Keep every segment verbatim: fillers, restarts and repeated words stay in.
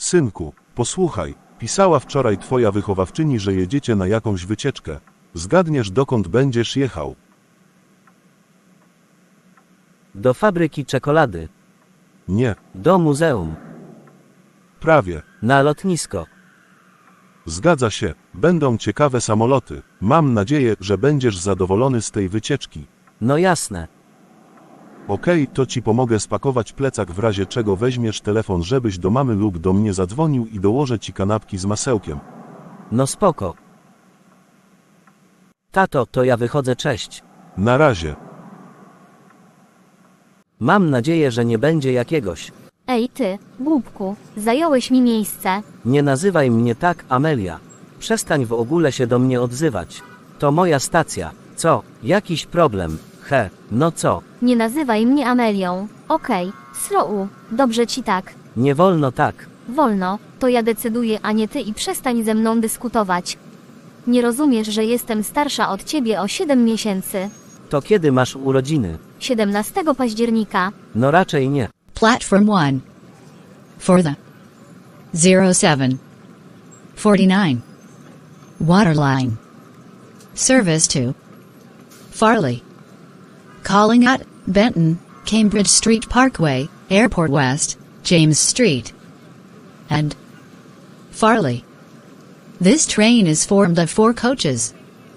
Synku, posłuchaj, pisała wczoraj twoja wychowawczyni, że jedziecie na jakąś wycieczkę. Zgadniesz, dokąd będziesz jechał? Do fabryki czekolady. Nie, Do muzeum. prawie. Na lotnisko. Zgadza się, będą ciekawe samoloty. Mam nadzieję, że będziesz zadowolony z tej wycieczki. No jasne. Okej, to ci pomogę spakować plecak, w razie czego weźmiesz telefon, żebyś do mamy lub do mnie zadzwonił, i dołożę ci kanapki z masełkiem. No spoko. Tato, to ja wychodzę, cześć. Na razie. Mam nadzieję, że nie będzie jakiegoś. Ej ty, głupku, zająłeś mi miejsce. Nie nazywaj mnie tak, Amelia. Przestań w ogóle się do mnie odzywać. To moja stacja. Co? Jakiś problem? He, no co? Nie nazywaj mnie Amelią. Okej, srou, dobrze ci tak. Nie wolno tak. Wolno, to ja decyduję, a nie ty, i przestań ze mną dyskutować. Nie rozumiesz, że jestem starsza od ciebie o siedem miesięcy. To kiedy masz urodziny? siedemnastego października. No raczej nie. Platform one. For the zero seven forty-nine Waterline. Service to Farley. Calling at Benton, Cambridge Street Parkway, Airport West, James Street, and Farley. This train is formed of four coaches.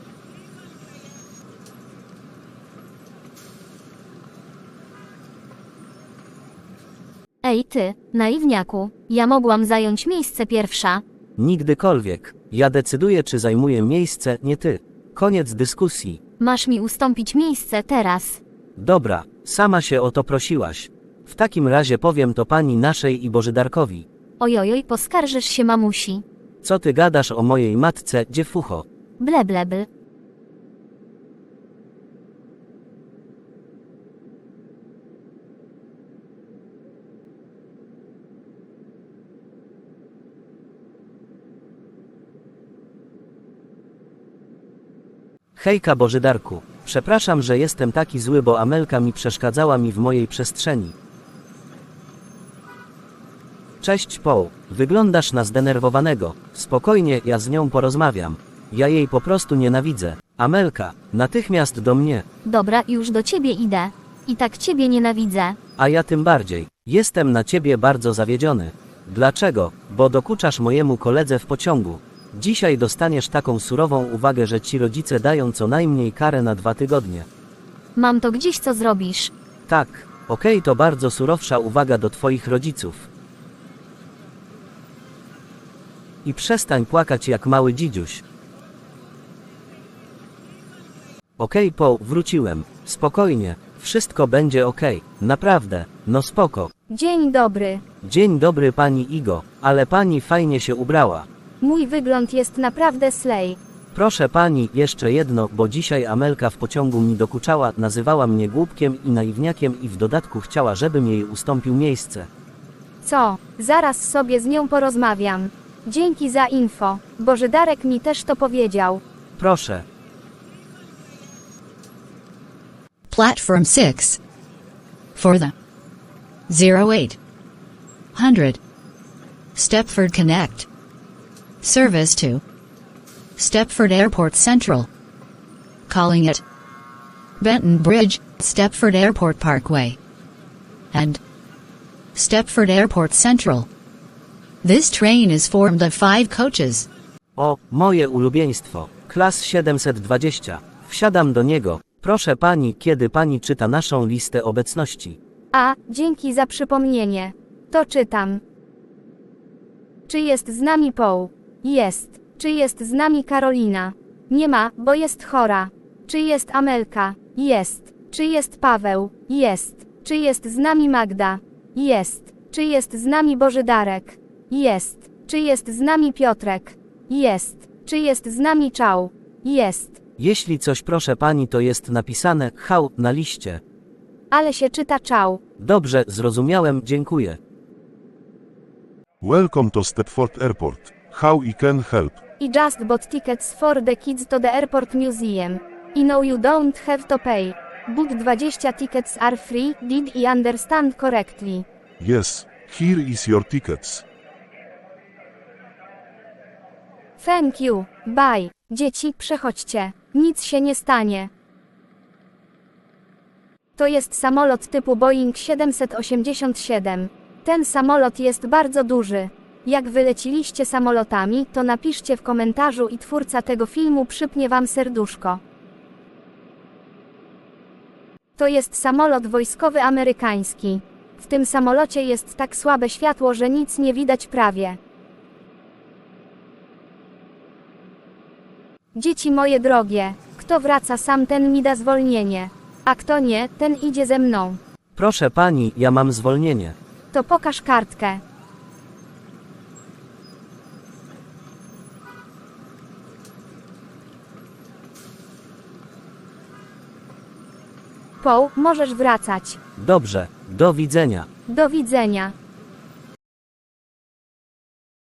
Ej ty, naiwniaku, ja mogłam zająć miejsce pierwsza. Nigdykolwiek. Ja decyduję, czy zajmuję miejsce, nie ty. Koniec dyskusji. Masz mi ustąpić miejsce teraz. Dobra, sama się o to prosiłaś. W takim razie powiem to pani naszej i Bożydarkowi. Ojojoj, poskarżysz się mamusi. Co ty gadasz o mojej matce, dziewucho? Ble ble ble. Hejka Bożydarku. Przepraszam, że jestem taki zły, bo Amelka mi przeszkadzała mi w mojej przestrzeni. Cześć Paul. Wyglądasz na zdenerwowanego. Spokojnie, ja z nią porozmawiam. Ja jej po prostu nienawidzę. Amelka, natychmiast do mnie. Dobra, już do ciebie idę. I tak ciebie nienawidzę. A ja tym bardziej. Jestem na ciebie bardzo zawiedziony. Dlaczego? Bo dokuczasz mojemu koledze w pociągu. Dzisiaj dostaniesz taką surową uwagę, że ci rodzice dają co najmniej karę na dwa tygodnie. Mam to gdzieś, co zrobisz. Tak, okej, to bardzo surowsza uwaga do twoich rodziców. I przestań płakać jak mały dzidziuś. Okej, Paul, wróciłem. Spokojnie, wszystko będzie okej. Naprawdę, no spoko. Dzień dobry. Dzień dobry pani Igo, ale pani fajnie się ubrała. Mój wygląd jest naprawdę slay. Proszę pani, jeszcze jedno, bo dzisiaj Amelka w pociągu mi dokuczała, nazywała mnie głupkiem i naiwniakiem i w dodatku chciała, żebym jej ustąpił miejsce. Co? Zaraz sobie z nią porozmawiam. Dzięki za info. Bożydarek mi też to powiedział. Proszę. Platform six. For the zero eight hundred Stepford Connect. Service to Stepford Airport Central. Calling at Benton Bridge, Stepford Airport Parkway, and Stepford Airport Central. This train is formed of five coaches. O, moje ulubieństwo. Klas siedemset dwadzieścia. Wsiadam do niego. Proszę pani, kiedy pani czyta naszą listę obecności? A, dzięki za przypomnienie. To czytam. Czy jest z nami Paul? Jest. Czy jest z nami Karolina? Nie ma, bo jest chora. Czy jest Amelka? Jest. Czy jest Paweł? Jest. Czy jest z nami Magda? Jest. Czy jest z nami Bożydarek? Jest. Czy jest z nami Piotrek? Jest. Czy jest z nami Czał? Jest. Jeśli coś proszę pani, to jest napisane hał na liście. Ale się czyta Czał. Dobrze, zrozumiałem, dziękuję. Welcome to Stepford Airport. How I can help? I just bought tickets for the kids to the airport museum. I know you don't have to pay. But twenty tickets are free, did I understand correctly? Yes, here is your tickets. Thank you, bye. Dzieci, przechodźcie. Nic się nie stanie. To jest samolot typu Boeing siedemset osiemdziesiąt siedem. Ten samolot jest bardzo duży. Jak wyleciliście samolotami, to napiszcie w komentarzu i twórca tego filmu przypnie wam serduszko. To jest samolot wojskowy amerykański. W tym samolocie jest tak słabe światło, że nic nie widać prawie. Dzieci moje drogie, kto wraca sam, ten mi da zwolnienie. A kto nie, ten idzie ze mną. Proszę pani, ja mam zwolnienie. To pokaż kartkę. Paul, możesz wracać. Dobrze, do widzenia. Do widzenia.